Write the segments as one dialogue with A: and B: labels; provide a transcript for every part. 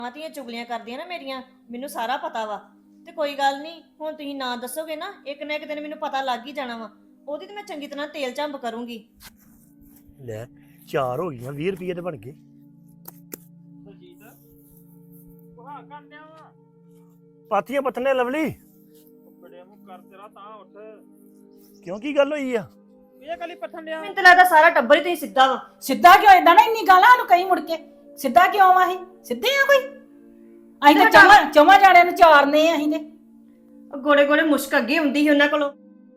A: ਧੀਆਂ ਚੁਗਲੀਆਂ ਕਰਦੀਆਂ ਨਾ ਮੇਰੀਆਂ, ਮੈਨੂੰ ਸਾਰਾ ਪਤਾ ਵਾ। ਤੇ ਕੋਈ ਗੱਲ ਨਹੀਂ, ਹੁਣ ਤੁਸੀਂ ਨਾ ਦੱਸੋਗੇ ਨਾ, ਇੱਕ ਨਾ ਇੱਕ ਦਿਨ ਮੈਨੂੰ ਪਤਾ ਲੱਗ ਹੀ ਜਾਣਾ ਵਾ। ਉਹਦੀ ਤੇ ਮੈਂ ਚੰਗੀ ਤਰ੍ਹਾਂ ਤੇਲ ਝੰਬ ਕਰੂੰਗੀ।
B: ਲੈ 4 ਹੋ ਗਈਆਂ, 20 ਰੁਪਏ ਤੇ ਬਣ ਗਏ।
C: ਬਲਜੀਤ ਉਹ ਹਾਂ ਕਰਦਿਆਂ ਵਾ
B: ਪਾਥੀਆਂ ਪੱਥਨੇ ਲਵਲੀ,
C: ਬੜੇ ਮੂੰਹ ਕਰ ਤੇਰਾ ਤਾਂ ਉੱਠ।
B: ਕਿਉਂ ਕੀ ਗੱਲ ਹੋਈ ਆ?
C: ਇਹ ਕਲੀ ਪੱਥਣ ਡਿਆ
A: ਮੈਨੂੰ ਤਾਂ ਲੱਗਦਾ ਸਾਰਾ ਟੱਬਰ ਹੀ ਤੁਸੀਂ ਸਿੱਧਾ ਵਾ।
D: ਸਿੱਧਾ ਕਿਉਂ ਏਦਾਂ ਨਾ ਇੰਨੀ ਗਾਲਾਂ ਨੂੰ ਕਈ ਮੁੜ ਕੇ ਸਿੱਧਾ ਕਿਉਂ ਆ ਅਸੀਂ ਸਿੱਧੇ ਆ ਕੋਈ? ਅਸੀਂ ਤਾਂ ਚੌਵਾਂ ਜਾਣਿਆਂ ਨੂੰ ਚਾਰਨੇ ਆ ਅਸੀਂ ਤੇ
A: ਗੋੜੇ ਗੋੜੇ ਮੁਸ਼ਕ ਅੱਗੇ ਹੁੰਦੀ ਸੀ ਉਹਨਾਂ ਕੋਲੋਂ।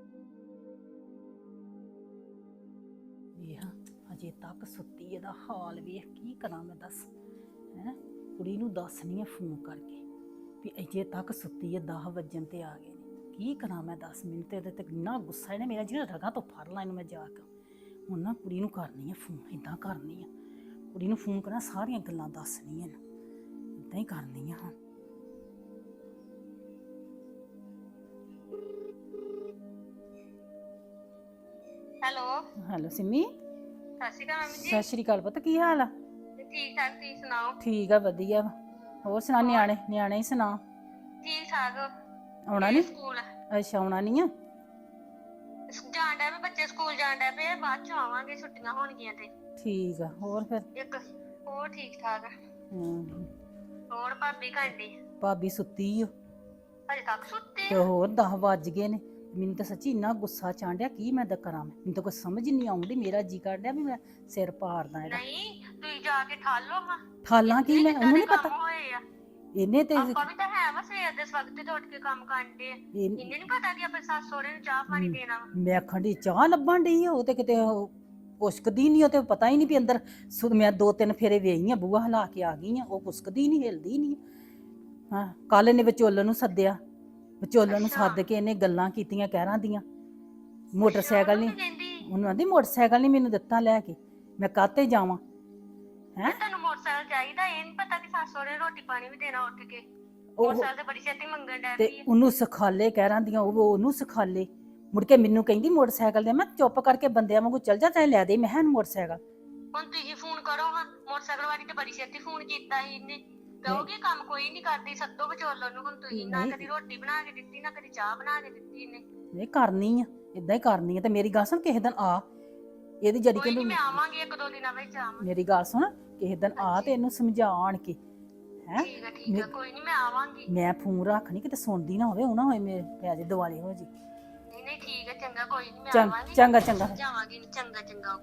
D: ਵੇਖ ਅਜੇ ਤੱਕ ਸੁੱਤੀ, ਇਹਦਾ ਹਾਲ ਵੇਖ ਕੀ ਕਰਾਂ ਮੈਂ ਦੱਸ ਹੈ। ਕੁੜੀ ਨੂੰ ਦੱਸਣੀ ਆ ਫੋਨ ਕਰਕੇ ਵੀ ਅਜੇ ਤੱਕ ਸੁੱਤੀ ਹੈ, 10 ਵਜਣ ਤੇ ਆ ਗਏ ਨੇ। ਕੀ ਕਰਾਂ ਮੈਂ ਦੱਸ, ਮੈਨੂੰ ਤੇ ਇਹਦੇ ਤੇ ਇੰਨਾ ਗੁੱਸਾ ਇਹਨੇ ਮੇਰਾ ਜਿਹੜਾ ਰਗਾਂ ਤੋਂ ਫੜ ਲਾ ਇਹਨੂੰ ਮੈਂ ਜਾ ਕੇ। ਹੁਣ ਨਾ ਕੁੜੀ ਨੂੰ ਕਰਨੀ ਆ ਫੋਨ, ਇੱਦਾਂ ਕਰਨੀ ਆ ਕੁੜੀ ਨੂੰ ਫੋਨ ਕਰਾਂ, ਸਾਰੀਆਂ ਗੱਲਾਂ ਦੱਸਣੀਆਂ ਨੇ, ਇੱਦਾਂ ਹੀ ਕਰਨੀ ਆ ਹੁਣ। ਹੈਲੋ ਸਿੰਮੀ।
E: ਸਤਿ ਸ਼੍ਰੀ ਅਕਾਲ ਮੰਮੀ
D: ਸਤਿ ਸ਼੍ਰੀ ਅਕਾਲ ਪੁੱਤ, ਕੀ ਹਾਲ ਆ?
E: ਜੀ। ਠੀਕ ਠਾਕ, ਤੁਸੀਂ ਸੁਣਾਓ?
D: ਠੀਕ ਆ ਵਧੀਆ। ਹੋਰ ਸੁਣਾ, ਨਿਆਣੇ ਹੀ ਸੁਣਾ।
E: ਠੀਕ ਠਾਕ।
D: ਆਉਣਾ ਨਹੀਂ
E: ਸਕੂਲ
D: ਅੱਛਾ, ਆਉਣਾ ਨਹੀਂ ਆ?
E: ਜਾਣ ਡਿਆ ਪਏ ਬੱਚੇ, ਸਕੂਲ ਜਾਣ ਡਿਆ ਪਏ, ਬਾਅਦ ਚ ਆਵਾਂਗੇ, ਛੁੱਟੀਆਂ ਹੋਣਗੀਆਂ ਤੇ।
D: ਠੀਕ ਆ। ਹੋਰ ਫਿਰ
E: ਇੱਕ ਹੋਰ ਠੀਕ ਠਾਕ। ਹੋਰ ਭਾਬੀ ਘੰਟੀ
D: ਭਾਬੀ ਸੁੱਤੀ ਓ
E: ਹਜੇ ਤੱਕ ਸੁੱਤੇ
D: ਤੇ ਹੋਰ 10 ਵੱਜ ਗਏ ਨੇ। ਮੈਨੂੰ ਤਾਂ ਸੱਚੀ ਇੰਨਾ ਗੁੱਸਾ ਚਾਂਡਿਆ, ਕੀ ਮੈਂ ਤਾਂ ਕਰਾਂ। ਮੈਨੂੰ ਤਾਂ ਕੋਈ ਸਮਝ ਨਹੀਂ ਆਉਂਦੀ, ਮੇਰਾ ਜੀ ਕਰਦਿਆ ਵੀ ਮੈਂ ਸਿਰ ਪਾੜਦਾ ਇਹਦਾ।
E: ਨਹੀਂ ਤੁਸੀਂ ਜਾ ਕੇ ਠਾਲੋ ਹਾਂ।
D: ਠਾਲਾਂ ਕੀ ਮੈਂ, ਉਹਨੂੰ ਨਹੀਂ ਪਤਾ।
E: ਹੋਏ ਆ
D: ਇਹਨੇ ਤੇ
E: ਆਪਾਂ ਵੀ ਤਾਂ ਹੈ ਵਾ ਸਵੇਰ ਦੇ ਵਕਤ ਤੇ ਉੱਠ ਕੇ ਕੰਮ ਕਰਦੇ ਆ। ਇਹਨੇ ਨਹੀਂ ਪਤਾ ਕਿ ਆਪਣੇ ਸੱਸ ਸਹੁਰੇ ਨੂੰ ਚਾਹ ਪਾਣੀ ਦੇਣਾ ਵਾ।
D: ਮੈਂ ਆਖਣ ਚਾਹ ਲੱਭਣ ਡਈ ਉਹ ਤੇ ਕਿਤੇ ਕੁਸਕਦੀ ਨਹੀਂ, ਉਹ ਤੇ ਪਤਾ ਹੀ ਨਹੀਂ ਵੀ ਅੰਦਰ ਮੈਂ 2-3 ਫੇਰੇ ਵੇਈ ਆ, ਬੂਹਾ ਹਿਲਾ ਕੇ ਆ ਗਈ ਆ, ਉਹ ਕੁਸਕਦੀ ਨਹੀਂ, ਹਿਲਦੀ ਨਹੀਂ। ਹਾਂ, ਕੱਲ ਇਹਨੇ ਵਿਚੋਲਨ ਨੂੰ ਸੱਦਿਆ, ਵਿਚੋਲਨ ਨੂੰ ਸੱਦ ਕੇ ਇਹਨੇ ਗੱਲਾਂ ਕੀਤੀਆਂ ਕਹਿਰਾਂ ਦੀਆਂ। ਮੋਟਰਸਾਈਕਲ ਨਹੀਂ, ਉਹਨੂੰ ਆਂਦੀ ਮੋਟਰਸਾਈਕਲ ਨਹੀਂ ਮੈਨੂੰ ਦਿੱਤਾ ਲੈ ਕੇ, ਮੈਂ ਕਾਹਤੇ ਜਾਵਾਂ।
E: ਹੈ ਤੁਹਾਨੂੰ ਮੋਟਰਸਾਈਕਲ ਚਾਹੀਦਾ, ਇਹ ਨਹੀਂ ਪਤਾ ਕਿ ਸੱਸ ਸਹੁਰੇ ਰੋਟੀ ਪਾਣੀ ਵੀ ਦੇਣਾ ਉੱਠ ਕੇ। ਮੋਟਰਸਾਈਕਲ ਤੇ ਬੜੀ ਛੇਤੀ ਮੰਗਣ ਡੈ
D: ਤੇ
E: ਪਈ ਆ।
D: ਉਹਨੂੰ ਸਿਖਾਲੇ ਕਹਿਰਾਂ ਦੀਆਂ, ਉਹਨੂੰ ਸਿਖਾਲੇ। ਮੁੜ ਕੇ ਮੈਨੂੰ ਕਹਿੰਦੀ ਮੋਟਰਸਾਈਕਲ ਦੇ, ਮੈਂ ਚੁੱਪ ਕਰਕੇ ਬੰਦਿਆਂ ਵਾਂਗੂ ਚੱਲ ਜਾ, ਚਾਹੇ ਲੈ ਦੇ ਮੈਂ ਇਹਨੂੰ ਮੋਟਰਸਾਈਕਲ।
E: ਹੁਣ ਤੁਸੀਂ ਫੋਨ ਕਰੋ ਹਾਂ, ਮੋਟਰਸਾਈਕਲ ਵਾਲੀ ਤੇ ਬੜੀ ਛੇਤੀ ਫੋਨ ਕੀਤਾ ਸੀ ਇਹਨੇ। ਕਹੋਗੇ ਕੰਮ ਕੋਈ ਨਹੀਂ ਕਰਦੀ, ਸੱਦੋ ਵਿਚੋਲੋ ਨੂੰ। ਹੁਣ ਤੁਸੀਂ ਨਾ ਕਦੀ ਰੋਟੀ ਬਣਾ ਕੇ ਦਿੱਤੀ, ਨਾ ਕਦੀ ਚਾਹ ਬਣਾ ਕੇ ਦਿੱਤੀ ਇਹਨੇ।
D: ਇਹ ਕਰਨੀ ਆ, ਇਦਾਂ ਹੀ ਕਰਨੀ ਆ। ਤੇ ਮੇਰੀ ਗੱਲ ਸੁਣ, ਕਿਸੇ ਦਿਨ ਆ ਇਹਦੀ ਜੜੀ
E: ਕੋਈ
D: ਕਿ
E: ਮੈਂ ਆਵਾਂਗੀ, 1-2 ਦਿਨਾਂ ਵਿੱਚ ਆਵਾਂਗੀ।
D: ਮੇਰੀ ਗੱਲ ਸੁਣ, ਕਿਸੇ ਦਿਨ ਆ ਤੇ ਇਹਨੂੰ ਸਮਝਾ ਆਣ ਕੇ। ਹੈ
E: ਠੀਕ ਆ, ਕੋਈ ਨਹੀਂ ਮੈਂ ਆਵਾਂਗੀ।
D: ਮੈਂ ਫੋਨ ਰੱਖਣੀ, ਕਿਤੇ ਸੁਣਦੀ ਨਾ ਹੋਵੇ, ਉਹ ਨਾ ਹੋਏ ਮੇਰੇ ਪੈ ਜੇ ਦਿਵਾਲੇ ਹੋ ਜੀ।
E: ਨਹੀਂ ਠੀਕ ਹੈ, ਚੰਗਾ, ਕੋਈ ਨਹੀਂ ਮੈਂ ਆਵਾਂਗੀ।
D: ਚੰਗਾ
E: ਜਾਵਾਂਗੀ, ਚੰਗਾ।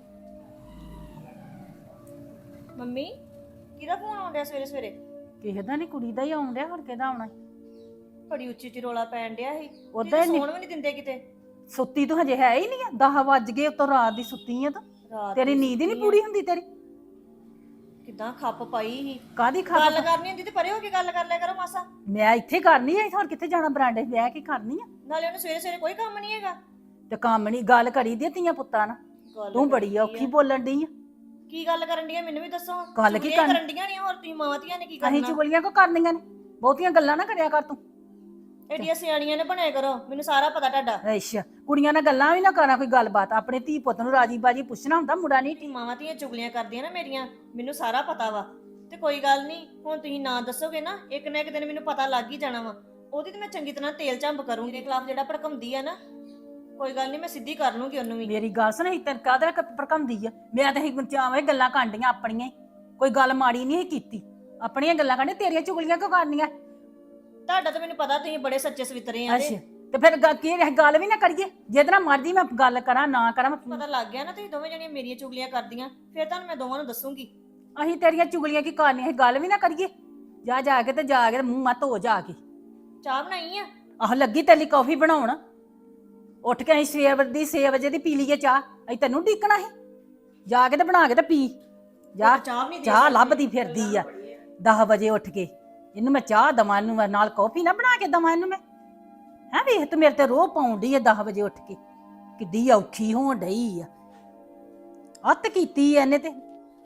A: ਮੰਮੀ ਕਿਹਦਾ ਫੋਨ ਆਉਂਦਿਆ ਸਵੇਰੇ ਸਵੇਰੇ?
D: ਕਿਸੇ ਦਾ ਨਹੀਂ, ਕੁੜੀ ਦਾ ਹੀ ਆਉਣ ਡਿਆ, ਹੋਰ ਕਿਹਦਾ ਆਉਣਾ?
A: ਬੜੀ ਉੱਚੀ ਉੱਚੀ ਰੋਲਾ ਪੈਣ ਡਿਆ ਸੀ।
D: ਉਦਾਂ
A: ਸੌਣ ਵੀ ਨਹੀਂ ਦਿੰਦੇ ਕਿਤੇ।
D: ਸੁੱਤੀ ਤੂੰ ਹਜੇ ਹੈ ਹੀ ਨਹੀਂ ਆ, 10 ਵੱਜ ਗਏ ਉਤੋਂ, ਰਾਤ ਦੀ ਸੁੱਤੀ ਆ ਤੂੰ।
A: ਰਾਤ
D: ਤੇਰੀ ਨੀਂਦ ਹੀ ਨਹੀਂ ਪੂਰੀ ਹੁੰਦੀ ਤੇਰੀ।
A: ਕਿੱਦਾਂ ਖੱਪ ਪਾਈ ਸੀ।
D: ਕਾਦੀ
A: ਗੱਲ ਕਰਨੀ ਹੁੰਦੀ ਤੇ ਪਰੇ ਹੋ ਕੇ ਗੱਲ ਕਰ ਲਿਆ ਕਰੋ ਮਾਸਾ।
D: ਮੈਂ ਇੱਥੇ ਕਰਨੀ ਆ, ਹੋਰ ਕਿੱਥੇ ਜਾਣਾ? ਬਰਾਂਡੇ ਬਹਿ ਕੇ ਕਰਨੀ ਆ।
A: ਨਾਲੇ ਉਹਨੂੰ ਸਵੇਰੇ ਸਵੇਰੇ ਕੋਈ ਕੰਮ ਨਹੀਂ ਹੈਗਾ।
D: ਤੇ ਕੰਮ ਨਹੀਂ, ਗੱਲ ਕਰੀ ਦੀ ਧੀਆਂ ਪੁੱਤਾਂ ਨਾਲ। ਤੂੰ ਬੜੀ ਔਖੀ ਬੋਲਣ ਡਈ ਆ।
A: ਕੀ ਗੱਲ ਕਰਨ ਡੀਆਂ ਮੈਨੂੰ ਵੀ ਦੱਸੋ।
D: ਗੱਲ ਕੀ
A: ਕਰਨ ਡੀਆਂ ਨਹੀਂ, ਹੋਰ ਤੁਸੀਂ ਮਾਵਾਂ ਧੀਆਂ ਨੇ ਕੀ ਕਰਨਾ?
D: ਅਸੀਂ ਚੁਗਲੀਆਂ ਕੋ ਕਰਨੀਆਂ ਨੇ? ਬਹੁਤੀਆਂ ਗੱਲਾਂ ਨਾ ਕਰਿਆ ਕਰ ਤੂੰ।
A: ਐਡੀਆਂ ਸਿਆਣੀਆਂ ਨੇ ਬਣਿਆ ਕਰੋ, ਮੈਨੂੰ ਸਾਰਾ ਪਤਾ ਤੁਹਾਡਾ।
D: ਅੱਛਾ, ਕੁੜੀਆਂ ਨਾਲ ਗੱਲਾਂ ਵੀ ਨਾ ਕਰਾਂ, ਕੋਈ ਗੱਲਬਾਤ। ਆਪਣੇ ਧੀ ਪੁੱਤ ਨੂੰ ਰਾਜੀ ਬਾਜੀ ਪੁੱਛਣਾ ਹੁੰਦਾ, ਮੁੰਡਾ ਨਹੀਂ।
A: ਤੁਸੀਂ ਮਾਵਾਂ ਧੀਆਂ ਚੁਗਲੀਆਂ ਕਰਦੀਆਂ ਨਾ ਮੇਰੀਆਂ, ਮੈਨੂੰ ਸਾਰਾ ਪਤਾ ਵਾ। ਤੇ ਕੋਈ ਗੱਲ ਨਹੀਂ, ਹੁਣ ਤੁਸੀਂ ਨਾ ਦੱਸੋਗੇ ਨਾ, ਇੱਕ ਨਾ ਇੱਕ ਦਿਨ ਮੈਨੂੰ ਪਤਾ ਲੱਗ ਹੀ ਜਾਣਾ ਵਾ। ਉਹਦੀ ਤੇ ਮੈਂ ਚੰਗੀ ਤਰ੍ਹਾਂ ਤੇਲ ਝੰਬ ਕਰੂੰਗੀ। ਮੇਰੇ ਖਿਲਾਫ ਜਿਹੜਾ ਭੜਕਾਉਂਦੀ ਆ ਨਾ, ਕੋਈ ਗੱਲ ਨਹੀਂ, ਮੈਂ ਸਿੱਧੀ ਕਰ ਲੂੰਗੀ ਉਹਨੂੰ ਵੀ।
D: ਮੇਰੀ ਗੱਲ ਸੁਣ, ਤੈਨੂੰ ਕਾਹਦੇ ਭੜਕਾਉਂਦੀ ਆ? ਮੈਂ ਤਾਂ ਇਹ ਚਾਵੇਂ ਗੱਲਾਂ ਕਾਂਡੀਆਂ ਆਪਣੀਆਂ ਹੀ, ਕੋਈ ਗੱਲ ਮਾੜੀ ਨਹੀਂ ਕੀਤੀ। ਆਪਣੀਆਂ ਗੱਲਾਂ ਕਾਂਡੀਆਂ, ਤੇਰੀਆਂ ਚੁਗਲੀਆਂ ਕਿਉਂ ਕਰਨੀਆਂ?
A: ਤੁਹਾਡਾ ਤਾਂ ਮੈਨੂੰ ਪਤਾ, ਤੁਸੀਂ ਬੜੇ ਸੱਚੇ ਸਵਿਤਰੇ ਆ।
D: ਅੱਛਾ, ਤੇ ਫਿਰ ਕੀ ਗੱਲ ਵੀ ਨਾ ਕਰੀਏ? ਜਿਹਦੇ ਨਾਲ ਮਰਜ਼ੀ ਮੈਂ ਗੱਲ ਕਰਾਂ ਨਾ ਕਰਾਂ।
A: ਪਤਾ ਲੱਗ ਗਿਆ ਨਾ ਤੁਸੀਂ ਦੋਵੇਂ ਜਣੀਆਂ ਮੇਰੀਆਂ ਚੁਗਲੀਆਂ ਕਰਦੀਆਂ, ਫਿਰ ਤੁਹਾਨੂੰ ਮੈਂ ਦੋਵਾਂ ਨੂੰ ਦੱਸੂਗੀ।
D: ਅਸੀਂ ਤੇਰੀਆਂ ਚੁਗਲੀਆਂ ਕੀ ਕਰਨੀਆਂ? ਇਹ ਗੱਲ ਵੀ ਨਾ ਕਰੀਏ। ਜਾ ਕੇ ਮੂੰਹ ਮੱਤ ਹੋ ਜਾ ਕੇ।
A: ਚਾਹ ਬਣਾਈ ਆ?
D: ਆਹ ਲੱਗੀ ਤੇਲੀ ਕੌਫੀ ਬਣਾਉਣ। ਉੱਠ ਕੇ ਅਸੀਂ 6 ਵਜੇ ਦੀ ਪੀ ਲਈਏ ਚਾਹ। ਅਸੀਂ ਤੈਨੂੰ ਢੀਕਣਾ ਸੀ? ਜਾ ਕੇ ਤੇ ਬਣਾ ਕੇ ਤੇ ਪੀ ਜਾ। ਚਾਹ ਲੱਭਦੀ ਫਿਰਦੀ ਆ 10 ਵਜੇ ਉੱਠ ਕੇ। ਇਹਨੂੰ ਮੈਂ ਚਾਹ ਦਵਾਂ, ਇਹਨੂੰ ਨਾਲ ਕੌਫੀ ਨਾ ਬਣਾ ਕੇ ਦਵਾਂ ਇਹਨੂੰ ਮੈਂ? ਹੈ ਵੇਖ ਤੂੰ ਮੇਰੇ ਤੇ ਰੋਹ ਪਾਉਂਦੀ ਆ 10 ਵਜੇ ਉੱਠ ਕੇ, ਕਿੱਡੀ ਔਖੀ ਹੋਣ ਡਈ ਆ। ਅੱਤ ਕੀਤੀ ਇਹਨੇ ਤੇ।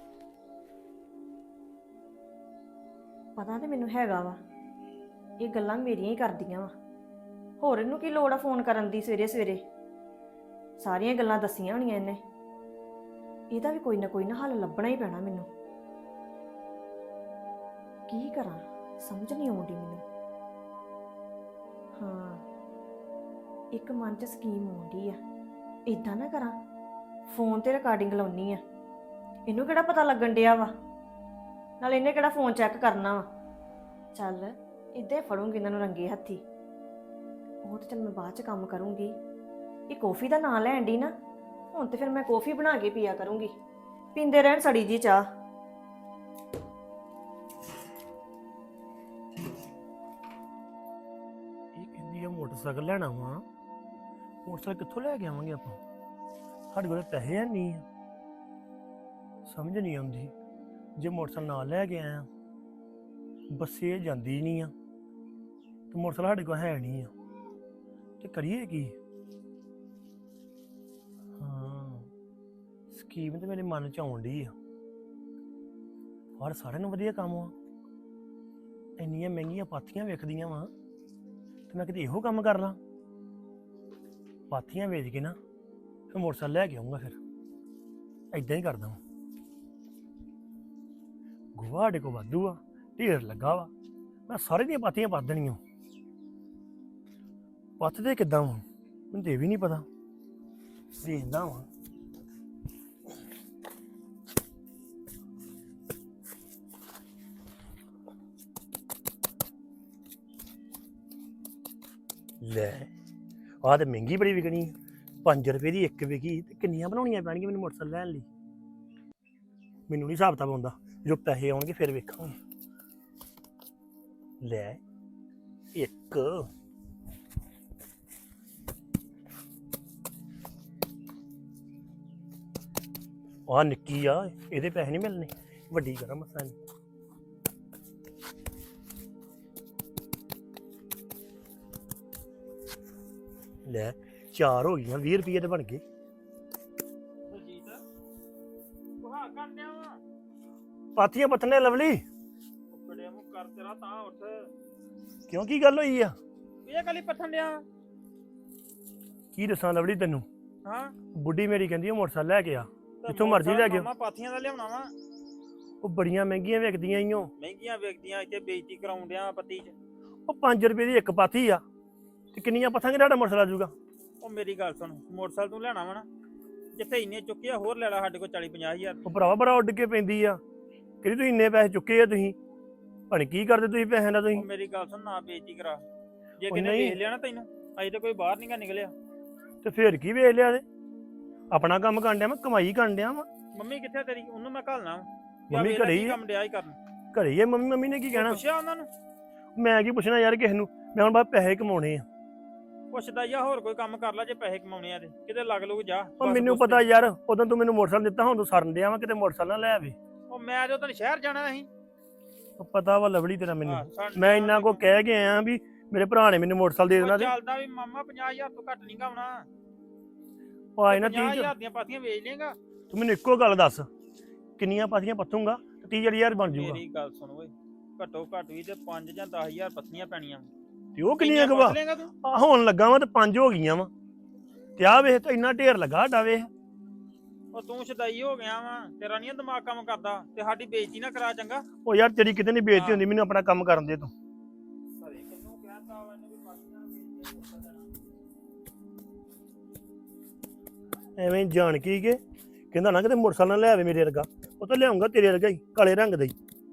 A: ਪਤਾ ਤੇ ਮੈਨੂੰ ਹੈਗਾ ਵਾ, ਇਹ ਗੱਲਾਂ ਮੇਰੀਆਂ ਹੀ ਕਰਦੀਆਂ ਵਾ। ਹੋਰ ਇਹਨੂੰ ਕੀ ਲੋੜ ਆ ਫੋਨ ਕਰਨ ਦੀ ਸਵੇਰੇ ਸਵੇਰੇ? ਸਾਰੀਆਂ ਗੱਲਾਂ ਦੱਸੀਆਂ ਹੋਣੀਆਂ ਇਹਨੇ। ਇਹਦਾ ਵੀ ਕੋਈ ਨਾ ਹੱਲ ਲੱਭਣਾ ਹੀ ਪੈਣਾ ਮੈਨੂੰ। ਕੀ ਕਰਾਂ ਸਮਝ ਨਹੀਂ ਆਉਂਦੀ ਮੈਨੂੰ। ਹਾਂ, ਇੱਕ ਮਨ 'ਚ ਸਕੀਮ ਆਉਂਦੀ ਆ। ਇਦਾਂ ਨਾ ਕਰਾਂ, ਫੋਨ ਤੇ ਰਿਕਾਰਡਿੰਗ ਲਾਉਣੀ ਆ। ਇਹਨੂੰ ਕਿਹੜਾ ਪਤਾ ਲੱਗਣ ਡਿਆ ਵਾ, ਨਾਲ ਇਹਨੇ ਕਿਹੜਾ ਫੋਨ ਚੈੱਕ ਕਰਨਾ ਵਾ। ਚੱਲ ਇੱਦਾਂ ਹੀ ਫੜੂੰਗੀ ਇਹਨਾਂ ਨੂੰ ਰੰਗੇ ਹੱਥੀ। ਉਹ ਤੇ ਚੱਲ ਮੈਂ ਬਾਅਦ 'ਚ ਕੰਮ ਕਰੂੰਗੀ। ਇਹ ਕੌਫੀ ਦਾ ਨਾਂ ਲੈਣ ਦੀ ਨਾ, ਹੁਣ ਤੇ ਫਿਰ ਮੈਂ ਕੌਫੀ ਬਣਾ ਕੇ ਪੀਆ ਕਰੂੰਗੀ। ਪੀਂਦੇ ਰਹਿਣ ਸੜੀ ਜੀ ਚਾਹ।
B: ਇਹ ਕਹਿੰਦੀ ਆ ਮੋਟਰਸਾਈਕਲ ਲੈਣਾ ਵਾ। ਮੋਟਰਸਾਈਕਲ ਕਿੱਥੋਂ ਲੈ ਕੇ ਆਵਾਂਗੇ ਆਪਾਂ? ਸਾਡੇ ਕੋਲ ਪੈਸੇ ਹੈ ਨਹੀਂ ਆ। ਸਮਝ ਨਹੀਂ ਆਉਂਦੀ, ਜੇ ਮੋਟਰਸਾਈਕਲ ਨਾਲ ਲੈ ਕੇ ਆਇਆ ਬੱਸੇ ਜਾਂਦੀ ਨਹੀਂ ਆ ਤੇ ਮੋਟਰਸਾਈਕਲ ਸਾਡੇ ਕੋਲ ਹੈ ਨਹੀਂ ਆ, ਤੇ ਕਰੀਏ ਕੀ? ਹਾਂ, ਸਕੀਮ ਤੇ ਮੇਰੇ ਮਨ ਚ ਆਉਣ ਡਈ ਆ। ਪਰ ਸਾਰਿਆਂ ਨੂੰ ਵਧੀਆ ਕੰਮ ਆ। ਇੰਨੀਆਂ ਮਹਿੰਗੀਆਂ ਪਾਥੀਆਂ ਵੇਖਦੀਆਂ ਵਾ ਤੇ ਮੈਂ ਕਿਤੇ ਇਹੋ ਕੰਮ ਕਰ ਲਾਂ। ਪਾਥੀਆਂ ਵੇਚ ਕੇ ਨਾ ਫਿਰ ਮੋਟਰਸਾਈਕਲ ਲੈ ਕੇ ਆਉਂਗਾ। ਫਿਰ ਏਦਾਂ ਹੀ ਕਰਦਾ ਵਾਂ। ਗੋਹਾ ਸਾਡੇ ਕੋਲ ਵਾਧੂ ਆ, ਢੇਰ ਲੱਗਾ ਵਾ। ਮੈਂ ਸਾਰੇ ਦੀਆਂ ਪਾਥੀਆਂ ਪਾ ਦੇਣੀਆਂ। ਪੱਥਦੇ ਕਿੱਦਾਂ ਵਾ ਮੈਨੂੰ ਤੇ ਵੀ ਨਹੀਂ ਪਤਾ। ਵੇਖਦਾ ਵਾਂ। ਲੈ ਆਹ ਤੇ ਮਹਿੰਗੀ ਬੜੀ ਵਿਕਣੀ। 5 ਰੁਪਏ ਦੀ ਇੱਕ ਵਿਕੀ ਤੇ ਕਿੰਨੀਆਂ ਬਣਾਉਣੀਆਂ ਪੈਣਗੀਆਂ ਮੈਨੂੰ ਮੋਟਰਸਾਈਕਲ ਲੈਣ ਲਈ? ਮੈਨੂੰ ਨਹੀਂ ਹਿਸਾਬ ਕਿਤਾਬ ਆਉਂਦਾ। ਜਦੋਂ ਪੈਸੇ ਆਉਣਗੇ ਫਿਰ ਵੇਖਾਂਗੇ। ਲੈ ਇੱਕ ਆਹ ਨਿੱਕੀ ਆ, ਇਹਦੇ ਪੈਸੇ ਨਹੀਂ ਮਿਲਣੇ। ਵੱਡੀ ਕਰਾਂ ਮਸਾਂ ਇਹਨੂੰ। ਲੈ 4 ਹੋ ਗਈਆਂ, 20 ਰੁਪਏ ਦੇ ਬਣ ਗਏ।
C: ਦਲਜੀਤ ਸੁਹਾ ਕੰਡਿਆ ਵਾ
B: ਪਾਥੀਆਂ ਪੱਥਨੇ ਲਵਲੀ।
C: ਬੜਿਆ ਮੂੰਹ ਕਰ ਤੇਰਾ ਤਾਂ ਉੱਠ।
B: ਕਿਉਂ, ਕੀ ਗੱਲ ਹੋਈ ਆ?
C: ਇਹ ਕਲੀ ਪੱਥਣ ਡਿਆ ਵਾ?
B: ਕੀ ਦੱਸਾਂ ਲਵਲੀ ਤੈਨੂੰ?
C: ਹਾਂ,
B: ਬੁੱਢੀ ਮੇਰੀ ਕਹਿੰਦੀ ਉਹ ਮੋਟਰਸਾਈਕਲ ਲੈ ਕੇ ਆ,
C: ਤੇ
B: ਜਿੱਥੋਂ ਮਰਜ਼ੀ ਲੈ ਕੇ ਆਓ।
C: ਮਾਮਾ ਪਾਥੀਆਂ ਦਾ ਲਿਆਉਣਾ ਵਾ।
B: ਉਹ ਬੜੀਆਂ ਮਹਿੰਗੀਆਂ ਵਿਕਦੀਆਂ ਈਓ।
C: ਮਹਿੰਗੀਆਂ ਵੇਚਦੀਆਂ, ਇੱਥੇ ਬੇਇੱਜ਼ਤੀ ਕਰਾਉਣ ਡਿਆ ਪੱਤੀ 'ਚ।
B: ਉਹ 5 ਰੁਪਏ ਦੀ ਇੱਕ ਪਾਥੀ ਆ ਤੇ ਕਿੰਨੀਆਂ ਪੱਥਾਂਗੇ ਤੁਹਾਡਾ ਮੋਟਰਸਾਈਕਲ ਆ ਜਾਊਗਾ?
C: ਉਹ ਮੇਰੀ ਗੱਲ ਸੁਣ, ਮੋਟਰਸਾਈਕਲ ਤੂੰ ਲੈਣਾ ਵਾ ਨਾ, ਜਿੱਥੇ ਇੰਨੇ ਚੁੱਕੇ ਆ ਹੋਰ ਲੈ ਲੈ। ਸਾਡੇ ਕੋਲ 40-50 ਹਜ਼ਾਰ।
B: ਉਹ ਭਰਾਵਾ ਬੜਾ ਉੱਡ ਕੇ ਪੈਂਦੀ ਆ। ਕਿਹੜੀ ਤੁਸੀਂ ਇੰਨੇ ਪੈਸੇ ਚੁੱਕੇ ਆ ਤੁਸੀਂ? ਭਾਣੇ ਕੀ ਕਰਦੇ ਤੁਸੀਂ ਪੈਸਿਆਂ ਦਾ ਤੁਸੀਂ?
C: ਉਹ ਮੇਰੀ ਗੱਲ ਸੁਣ, ਨਾ ਬੇਇੱਜ਼ਤੀ ਕਰਾ। ਜੇ
B: ਉਹ
C: ਕਿਨੇ
B: ਨਹੀਂ।
C: ਵੇਖ ਲਿਆ ਨਾ ਤੈਨੂੰ, ਅਜੇ ਤਾਂ ਕੋਈ ਬਾਹਰ ਨਹੀਂਗਾ ਨਿਕਲਿਆ।
B: ਤੇ ਫੇਰ ਕੀ ਵੇਚ ਲਿਆ? ਤੇ ਆਪਣਾ ਕੰਮ ਕਰਨ ਡਿਆ, ਮੈਂ ਕਮਾਈ ਕਰਨ ਡਿਆ ਵਾ।
C: ਮੰਮੀ ਕਿੱਥੇ ਤੇਰੀ? ਉਹਨੂੰ ਮੈਂ ਘੱਲਣਾ ਵਾ।
B: ਮੰਮੀ ਘਰੇ ਹੀ ਆ।
C: ਕੰਮ ਡਿਆ ਹੀ ਕਰਨ।
B: ਘਰੇ ਹੀ ਆ ਮੰਮੀ। ਮੰਮੀ ਨੇ ਕੀ ਕਹਿਣਾ?
C: ਪੁੱਛਿਆ ਉਹਨਾਂ ਨੂੰ?
B: ਮੈਂ ਕੀ ਪੁੱਛਣਾ ਯਾਰ ਕਿਸੇ ਨੂੰ। ਮੈਂ ਹੁਣ ਬਾਅਦ ਪੈਸੇ ਕਮਾਉਣੇ ਆ।
C: ਪੁੱਛਦਾ ਜਾਂ ਹੋਰ ਕੋਈ ਕੰਮ ਕਰ ਲੈ ਜੇ ਪੈਸੇ ਕਮਾਉਣੇ ਆ ਤੇ ਕਿਤੇ ਲੱਗ ਲੂਗ ਜਾ।
B: ਉਹ ਮੈਨੂੰ ਪਤਾ ਯਾਰ, ਉਦੋਂ ਤੂੰ ਮੈਨੂੰ ਮੋਟਰਸਾਈਕਲ ਦਿੱਤਾ, ਹੁਣ ਤੂੰ ਸਰਨ ਡਿਆ ਵਾ ਕਿਤੇ ਮੋਟਰਸਾਈਕਲ ਨਾ ਲੈ ਆਵੇ।
C: ਉਹ ਮੈਂ ਜਦੋਂ ਤੈਨੂੰ ਸ਼ਹਿਰ ਜਾਣਾ ਸੀ।
B: ਉਹ ਪਤਾ ਵਾ ਲਵਲੀ ਤੇਰਾ ਮੈਨੂੰ। ਮੈਂ ਇੰਨਾ ਕੋ ਕਹਿ ਕੇ ਆਇਆ ਵੀ ਮੇਰੇ ਭਰਾ ਨੇ ਮੈਨੂੰ ਮੋਟਰਸਾਈਕਲ ਦੇ ਦੇਣਾ। ਤੇ
C: ਚੱਲਦਾ ਵੀ ਮਾਮਾ 50,000 ਤੋਂ ਘੱਟ ਨਹੀਂ ਗਾਉਣਾ।
B: ਉਹ ਆਏ ਨਾ
C: 50,000 ਦੀਆਂ ਪਾਥੀਆਂ ਵੇਚ ਲੇਗਾ।
B: ਤੂੰ ਮੈਨੂੰ ਇੱਕੋ ਗੱਲ ਦੱਸ, ਕਿੰਨੀਆਂ ਪਾਥੀਆਂ ਪੱਥੂਗਾ ਤੇ 30,000 ਬਣ ਜਾਊਗਾ?
C: ਮੇਰੀ ਗੱਲ ਸੁਣ ਓਏ, ਘੱਟੋ ਘੱਟ ਵੀ ਤੇ 5 ਜਾਂ 10,000 ਪੱਥੀਆਂ ਪੈਣੀਆਂ।
B: ਤੇ ਉਹ ਕਿੰਨੀਆਂ ਕਵਾ
C: ਲੇਗਾ ਤੂੰ?
B: ਹੋਣ ਲੱਗਾ ਵਾ ਤੇ 5 ਹੋ ਗਈਆਂ ਵਾ। ਤੇ ਆਹ ਵੇਖ ਤਾਂ ਇੰਨਾ ਢੇਰ ਲੱਗਾ ਸਾਡਾ ਵੇਖ।
C: ਉਹ ਤੂੰ ਸ਼ਦਾਈ ਹੋ ਗਿਆ ਵਾ, ਤੇਰਾ ਨਹੀਂ ਦਿਮਾਗ ਕੰਮ ਕਰਦਾ ਤੇ ਸਾਡੀ ਬੇਇੱਜ਼ਤੀ ਨਾ ਕਰਾ ਚੰਗਾ।
B: ਉਹ ਯਾਰ ਤੇਰੀ ਕਿਤੇ ਨਹੀਂ ਬੇਇੱਜ਼ਤੀ ਹੁੰਦੀ, ਮੈਨੂੰ ਆਪਣਾ ਕੰਮ ਕਰਨ ਦੇ ਤੂੰ।
C: ਸਰੇ ਕਿੰਨੂੰ ਕਹਿਤਾ ਵਾ ਇਹਨੇ ਵੀ ਪਾਥੀਆਂ ਵੇਚ ਦੇਣਾ।
B: ਐਵੇਂ ਜਾਣ ਕੀ ਕੇ ਕਹਿੰਦਾ ਨਾ ਕਿਤੇ ਮੋਟਰਸਾਈਕਲ ਨਾ ਲੈ ਆਵੇ ਮੇਰੇ ਵਰਗਾ। ਉਹ ਤਾਂ ਲਿਆਉਂਗਾ ਤੇਰੇ ਵਰਗਾ ਹੀ, ਕਾਲੇ ਰੰਗ ਦਾ ਹੀ।